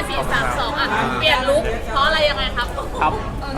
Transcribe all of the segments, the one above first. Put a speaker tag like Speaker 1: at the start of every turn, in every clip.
Speaker 1: 4-3-2อ่ะเปลี่ยนลุคเพราะอะไรยังไงครับ
Speaker 2: ครับ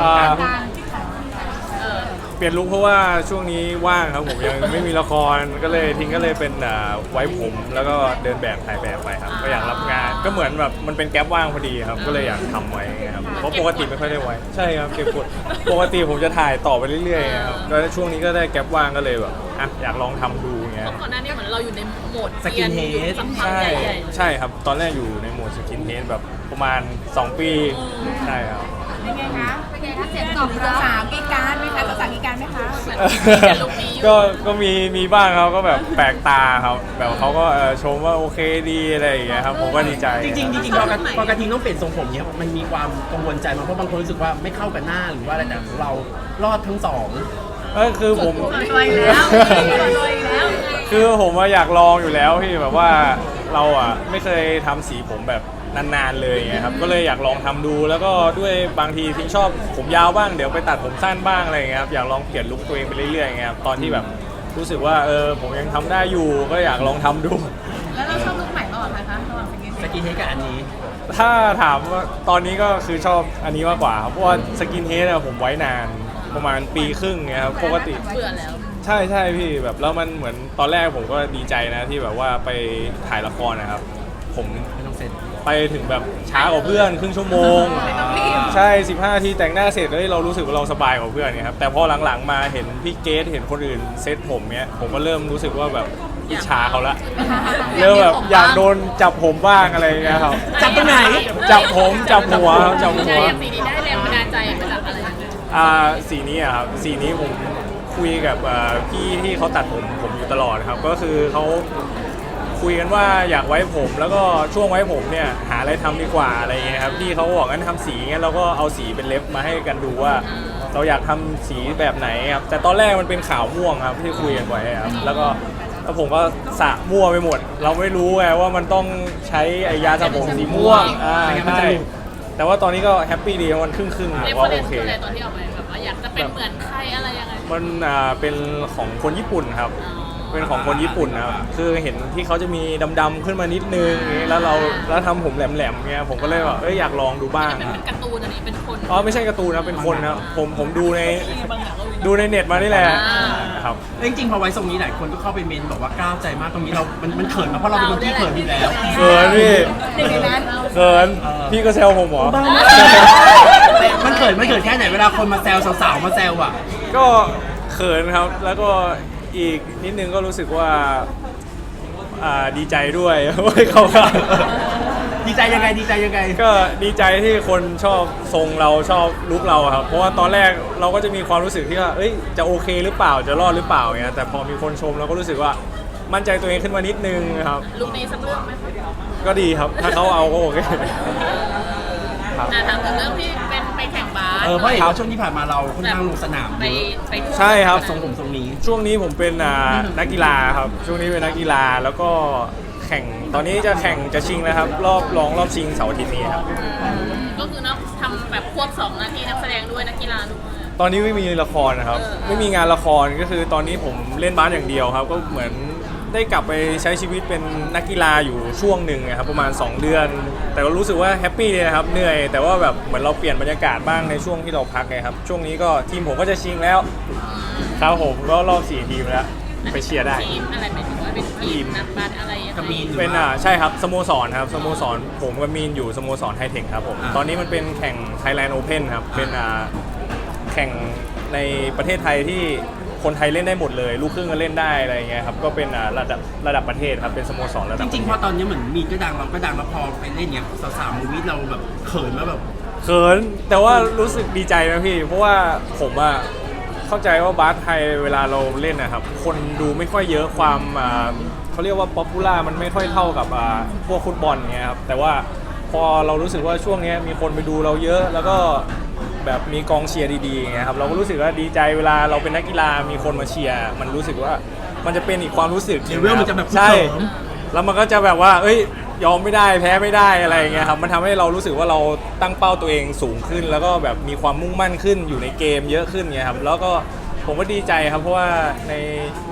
Speaker 2: เปลี่ยนลุคเพราะว่าช่วงนี้ว่างครับผมยังไม่มีละครก็เลยทิ้งก็เลยเป็นไว้ผมแล้วก็เดินแบบถ่ายแบบไปครับก็อยากรับงานก็เหมือนแบบมันเป็นแก๊ปว่างพอดีครับก็เลยอยากทำไว้ครับเพราะปกติไม่ค่อยได้ไว้ใช่ครับเก็บกดปกติผมจะถ่ายต่อไปเรื่อยๆครับแล้วช่วงนี้ก็ได้แก๊ปว่างก็เลยแบบอยากลองทำดูเงี้ย
Speaker 1: ก่อนหน้านี้เหมือนเราอยู่ในโหมด
Speaker 3: สกินเฮด
Speaker 2: ใช่ใช่ครับตอนแรกอยู่ในโหมดสกินเฮดแบบประมาณ2 ปีใช่ครับ
Speaker 4: เป็นไงคะเสียงตอบรับสาวกีการไหมคะภาษากีการไหมคะ
Speaker 2: ก็มีบ้างครับก็แบบแปลกตาครับแบบเขาก็ชมว่าโอเคดีอะไรอย่างเงี้ยครับผมก็ดีใจ
Speaker 3: จริงพอกระทิงต้องเปลี่ยนทรงผมเนี่ยมันมีความกังวลใจมั้ยเพราะบางคนรู้สึกว่าไม่เข้ากับหน้าหรือว่าอะไรแต่ของเรารอดทั้งสอง
Speaker 2: ก็คือผม
Speaker 1: รวยแล้ว
Speaker 2: คือผมอยากลองอยู่แล้วพี่แบบว่าเราไม่เคยทำสีผมแบบนานๆเลยไงครับก็เลยอยากลองทำดูแล้วก็ด้วยบางทีทิ้งชอบผมยาวบ้างเดี๋ยวไปตัดผมสั้นบ้างอะไรอย่างเงี้ยครับอยากลองเปลี่ยนลุคตัวเองไปเรื่อยๆไงครับตอนที่แบบรู้สึกว่าผมยังทำได้อยู่ก็อยากลองทำดู
Speaker 4: แล้วเราชอบลุคไหนมากกว่ากันคะระหว่าง
Speaker 3: สกินเฮดกับอันนี้
Speaker 2: ถ้าถามว่าตอนนี้ก็คือชอบอันนี้มากกว่าครับเพราะว่าสกินเฮดผมไว้นานประมาณปีครึ่งเงี้ยครับปกติ
Speaker 1: เบื่อแล้ว
Speaker 2: ใช่พี่แบบแล้วมันเหมือนตอนแรกผมก็ดีใจนะที่แบบว่าไปถ่ายละครนะครับผม
Speaker 3: ไม่ต้องเซ็น
Speaker 2: ไปถึงแบบช้ากว่าเพื่อนครึ่งชั่วโมงใช่15 นาทีแต่งหน้าเสร็จแล้วเรารู้สึกว่าเราสบายกว่าเพื่อนเนี่ยครับแต่พอหลังๆมาเห็นพี่เกสเห็นคนอื่นเซตผมเนี้ยผมก็เริ่มรู้สึกว่าแบบอิจฉาเขาละเริ่มแบบอยากโดนจับผมบ้างอะไรเงี้ยครับ
Speaker 3: จับตรงไหน
Speaker 2: จับผมจับหัวจับหัว
Speaker 1: สีนี้ได้แรงบันดาลใจมาจากอะไร
Speaker 2: สีนี้ครับสีนี้ผมคุยกับพี่ที่เขาตัดผมอยู่ตลอดครับก็คือเขาคุยกันว่าอยากไว้ผมแล้วก็ช่วงไว้ผมเนี่ยหาอะไรทำดีกว่าอะไรเงี้ยครับพี่เขาบอกงั้นทำสีงั้นเราก็เอาสีเป็นเล็บมาให้กันดูว่าเราอยากทำสีแบบไหนครับแต่ตอนแรกมันเป็นขาวม่วงครับที่คุยกันไว้ครับแล้วผมก็สระมั่วไปหมดเราไม่รู้ไงว่ามันต้องใช้ไอยาสระผมสีม่วงใช่แต่ว่าตอนนี้ก็แฮปปี้ดีมันครึ่งๆว่าโอเค
Speaker 1: ตอนที่เอาไปแบบว่าอยากจะเป็นเหมือนใครอะไรยังไง
Speaker 2: มันเป็นของคนญี่ปุ่นครับเป็นของคนญี่ปุ่นนะครับคือเห็นที่เขาจะมีดำๆขึ้นมานิดนึงแล้วทำผมแหลมๆเงี้ยผมก็เลยแบบอยากลองดูบ้าง
Speaker 1: เป็นการ์ตูนอันนี้เป็นคน
Speaker 2: อ๋อไม่ใช่การ์ตูนนะเป็นคนนะผมดูในเน็ตมานี่แหละครับ
Speaker 3: จริงๆพอไว้ทรงนี้หลายคนก็เข้าไปเมนบอกว่าก้าวใจมากตรงนี้มันเขินมากเพราะเราเป็นคนที่เขินอยู่แล้ว
Speaker 2: เขินพี่เขินพี่ก็แซวผมเหรอ
Speaker 3: มันเขินแค่ไหนเวลาคนมาแซวสาวๆมาแซวอ่ะ
Speaker 2: ก็เขินครับแล้วก็อีกนิดนึงก็รู้สึกว่าดีใจด้วยเขา
Speaker 3: ดีใจยังไง
Speaker 2: ก็ดีใจที่คนชอบทรงเราชอบลุคเราครับเพราะว่าตอนแรกเราก็จะมีความรู้สึกที่ว่าจะโอเคหรือเปล่าจะรอดหรือเปล่าเงี้ยแต่พอมีคนชมเราก็รู้สึกว่ามั่นใจตัวเองขึ้นมานิดนึงครับ
Speaker 1: ลุคนี้สักเรื่องไหม
Speaker 2: ก็ดีครับถ้าเขาเอาก็โอเค
Speaker 1: ถามถึงเรื่องที่เป็นไปแข่งบาส
Speaker 3: เพราะเห็นว่าช่วงที่ผ่านมาเราค่อนข้างลงสนาม
Speaker 1: ไป
Speaker 2: ใช่ครับ
Speaker 3: ทรงนี้
Speaker 2: ช่วงนี้ผมเป็นนักกีฬาครับช่วงนี้เป็นนักกีฬาแล้วก็แข่งตอนนี้จะชิงแล้วครับรอบชิงเสาร์อาทิตย์นี้ครับ
Speaker 1: ก็คือทำแบบควบ2 หน้าที่นักแสดงด้วยนักกีฬาด้วย
Speaker 2: ตอนนี้ไม่มีละครนะครับไม่มีงานละครก็คือตอนนี้ผมเล่นบาสอย่างเดียวครับก็เหมือนได้กลับไปใช้ชีวิตเป็นนักกีฬาอยู่ช่วงหนึ่งครับประมาณ2 เดือนแต่ก็รู้สึกว่าแฮปปี้เลยนะครับเหนื่อยแต่ว่าแบบเหมือนเราเปลี่ยนบรรยากาศบ้างในช่วงที่เราพักไงครับช่วงนี้ก็ทีมผมก็จะชิงแล้วครับผมก็รอบ4 ทีมแล้วไปเชียร์ได้
Speaker 1: ทีมอะไรหมายถึงว่าเป็นทีมนักบาสอะไร
Speaker 3: กับมีน
Speaker 2: เป็นใช่ครับสโมสรครับสโมสรผมกับมีนอยู่สโมสรไฮเทคครับผมตอนนี้มันเป็นแข่ง Thailand Open ครับเป็นแข่งในประเทศไทยที่คนไทยเล่นได้หมดเลยลูกครึ่งก็เล่นได้อะไรเงี้ยครับก็เป็นระดับประเทศครับเป็นสโมสรระดับ
Speaker 3: จริงๆพอตอนนี้เหมือนมีนก็ดังเราก็ดังแล้วพอไปเล่นเนี้ยสาวๆมูวี่เราแบบเขินมาแบบ
Speaker 2: เขินแต่ว่ารู้สึกดีใจนะพี่เพราะว่าผมเข้าใจว่าบาสไทยเวลาเราเล่นนะครับคนดูไม่ค่อยเยอะความเขาเรียกว่าป๊อปปูล่ามันไม่ค่อยเท่ากับพวกฟุตบอลเงี้ยครับแต่ว่าพอเรารู้สึกว่าช่วงนี้มีคนไปดูเราเยอะแล้วก็แบบมีกองเชียร์ดีๆไงครับเราก็รู้สึกว่าดีใจเวลาเราเป็นนักกีฬามีคนมาเชียร์มันรู้สึกว่ามันจะเป็นอีกความรู้สึก
Speaker 3: เลเวลมันจะแบบ
Speaker 2: ใช่แล้วมันก็จะแบบว่ายอมไม่ได้แพ้ไม่ได้อะไรเงี้ยครับมันทำให้เรารู้สึกว่าเราตั้งเป้าตัวเองสูงขึ้นแล้วก็แบบมีความมุ่งมั่นขึ้นอยู่ในเกมเยอะขึ้นเงี้ยครับแล้วก็ผมก็ดีใจครับเพราะว่าใน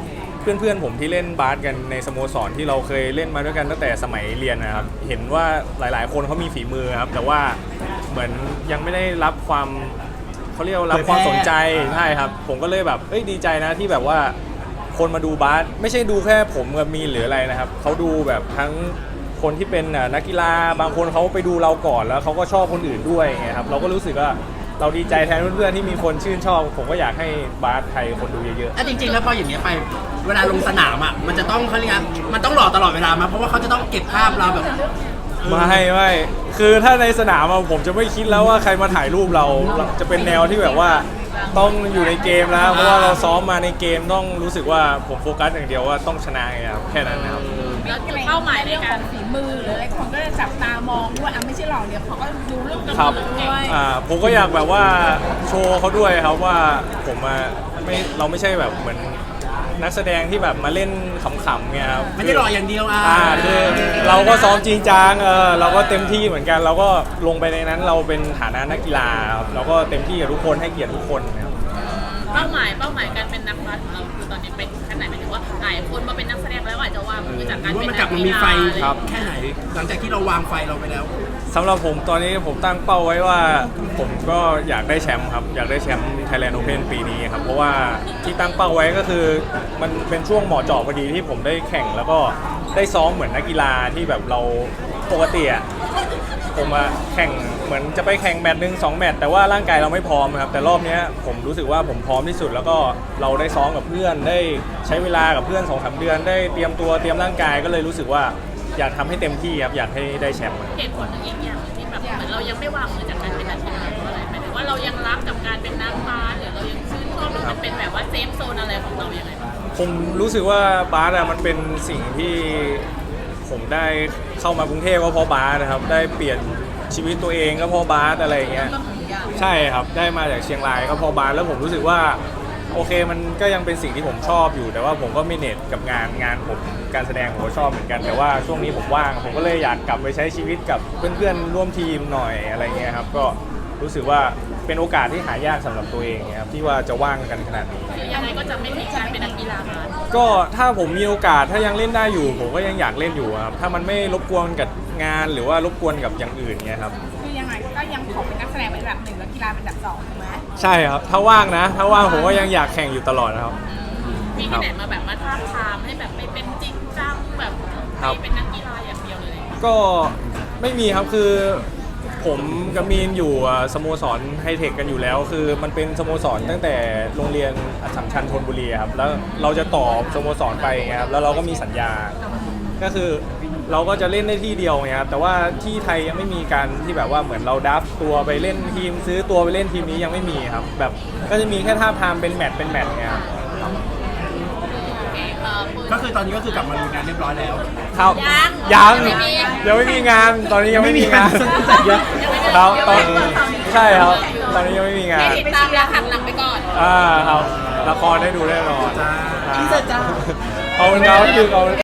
Speaker 2: เพื่อนๆผมที่เล่นบาสกันในสโมสรที่เราเคยเล่นมาด้วยกันตั้งแต่สมัยเรียนนะครับเห็นว่าหลายๆคนเขามีฝีมือครับแต่ว่าเหมือนยังไม่ได้รับความเขาเรียกว่ารับความสนใจใช่ครับผมก็เลยแบบดีใจนะที่แบบว่าคนมาดูบาสไม่ใช่ดูแค่ผมกับมีนหรืออะไรนะครับเขาดูแบบทั้งคนที่เป็นนักกีฬาบางคนเขาไปดูเราก่อนแล้วเขาก็ชอบคนอื่นด้วยไงครับเราก็รู้สึกว่าเราดีใจแทนเพื่อนๆที่มีคนชื่นชอบผมก็อยากให้บาสไทยคนดูเยอะๆ
Speaker 3: จริงๆแล้วพออย่างเงี้ยไปเวลาลงสนามอ่ะมันจะต้องเขาเรียกมันต้องหล่อตลอดเวลามาเพราะว่าเขาจะต้องเก็บภาพเราแบบ
Speaker 2: ไม่คือถ้าในสนามผมจะไม่คิดแล้วว่าใครมาถ่ายรูปเราจะเป็นแนวที่แบบว่าต้องอยู่ในเกมแล้วเพราะว่าเราซ้อมมาในเกมต้องรู้สึกว่าผมโฟกัสอย่างเดียวว่าต้องชนะไงครับแค่นั้นนะครับ
Speaker 1: แล้วจุดเป้าหมายในการ
Speaker 4: ฝีมือหรืออะไรคนก็จะจับตามองด้วยไม่ใช่หล่อเดียวเขาก็ดูเรื่องกระ
Speaker 2: ครับ
Speaker 4: ตือด้วย
Speaker 2: ผมก็อยากแบบว่าโชว์เขาด้วยครับว่าผมเราไม่ใช่แบบเหมือนนักแสดงที่แบบมาเล่นขำๆไงครับ
Speaker 3: ไม่ได้หล่ออย่างเดียว
Speaker 2: คือเราก็ซ้อมจริงจังเราก็เต็มที่เหมือนกันเราก็ลงไปในนั้นเราเป็นฐานะนักกีฬาครับเราก็เต็มที่กับทุกคนให้เกียรติทุกคนครับ
Speaker 1: เป้าหมายการเป็นนักบาสของเราคือตอนนี้เป็นแค่ไหนหมายถึงว่าหลายคนมาเป็นนักแสดงแล้วอาจจะว่ามือจากการเป็นนัก
Speaker 3: มัน
Speaker 1: กี
Speaker 3: มี
Speaker 1: ฬา
Speaker 3: ไฟ
Speaker 2: ครับ
Speaker 3: แค่ไหนหลังจากที่เราวางไฟเราไปแล้ว
Speaker 2: สำหรับผมตอนนี้ผมตั้งเป้าไว้ว่าผมก็อยากได้แชมป์ครับอยากได้แชมป์ Thailand Open ปีนี้ครับเพราะว่าที่ตั้งเป้าไว้ก็คือมันเป็นช่วงเหมาะเจาะพอดีที่ผมได้แข่งแล้วก็ได้ซ้อมเหมือนนักกีฬาที่แบบเราปกติผมแข่งเหมือนจะไปแข่งแมตช์1 2 แมตช์แต่ว่าร่างกายเราไม่พร้อมครับแต่รอบนี้ผมรู้สึกว่าผมพร้อมที่สุดแล้วก็เราได้ซ้อมกับเพื่อนได้ใช้เวลากับเพื่อน 2-3 เดือนได้เตรียมตัวเตรียมร่างกายก็เลยรู้สึกว่าอยากทำให้เต็มที่ครับอยากให้ได้แชมป์
Speaker 1: เหตุผลหนึ่งอีกอย่างที่แบบเหมือนเรายังไม่วางมือจากการเป็นนักกีฬาเพราะอะไรหมายถึงว่าเรายังรักกับการเป็นนักบาสหรือเรายังชื่นชอบหรือมันเป็นแบบว่าเซฟโซนอะไรของเราอย่างไรบ้าง
Speaker 2: ผมรู้สึกว่าบาสมันเป็นสิ่งที่ผมได้เข้ามากรุงเทพก็เพราะบาสนะครับได้เปลี่ยนชีวิตตัวเองก็เพราะบาสอะไรอย่างเงี้ยใช่ครับได้มาจากเชียงรายก็เพราะบาสแล้วผมรู้สึกว่าโอเคมันก็ยังเป็นสิ่งที่ผมชอบอยู่แต่ว่าผมก็มีเน็ตกับงานผมการแสดงผมก็ชอบเหมือนกันแต่ว่าช่วงนี้ผมว่างผมก็เลยอยากกลับไปใช้ชีวิตกับเพื่อนๆร่วมทีมหน่อยอะไรเงี้ยครับก็รู้สึกว่าเป็นโอกาสที่หายากสำหรับตัวเองครับที่ว่าจะว่างกันขนาดนี้
Speaker 1: คือยังไงก็จะไม่ทิ้งการเป็นนักกีฬาบาส
Speaker 2: ก็ถ้าผมมีโอกาสถ้ายังเล่นได้อยู่ผมก็ยังอยากเล่นอยู่ครับถ้ามันไม่รบกวนกับงานหรือว่ารบกวนกับอย่างอื่นเงี้ยครับ
Speaker 4: คือยังไงก็ยังขอเป็นนักแสดงเป็นแบบ1แล้วกีฬาเป็นแบบ2ถูกไหม
Speaker 2: ใช่ครับถ้าว่างนะถ้าว่างผมก็ยังอยากแข่งอยู่ตลอดนะครับ
Speaker 1: มีที่ไหนมาแบบมาท้าทามให้แบบไม่เป็นจริงจังแบบ
Speaker 2: ครับ
Speaker 1: ให้เป็นนักกีฬาอย่างเดียวเลย
Speaker 2: ก็ไม่มีครับคือผมกับมีนอยู่สโมสรไฮเทคกันอยู่แล้วคือมันเป็นสโมสรตั้งแต่โรงเรียนอัสสัมชัญธนบุรีครับแล้วเราจะต่อสโมสรไปไงครับแล้วเราก็มีสัญญาก็คือเราก็จะเล่นได้ที่เดียวไงครับแต่ว่าที่ไทยยังไม่มีการที่แบบว่าเหมือนเราดับตัวไปเล่นทีมซื้อตัวไปเล่นทีมนี้ยังไม่มีครับแบบก็จะมีแค่ท่าทามเป็นแมตช์ไงครับ
Speaker 3: ก็คือตอนนี้ก็คือกลับมาดูงานเรียบร้อยแล้ว
Speaker 2: ครับยังไม่มีงานตอนนี้ยังไม่มีงาน
Speaker 3: เยอะ
Speaker 2: ครับตอนใช่ครับตอนนี้ยังไม่มีงาน
Speaker 1: ให้ติดตามแล้วหักหลังไปก่อน
Speaker 2: ครับละครได้ดูแน่นอน
Speaker 3: จ้า
Speaker 2: เอาเป็นเราคือเอา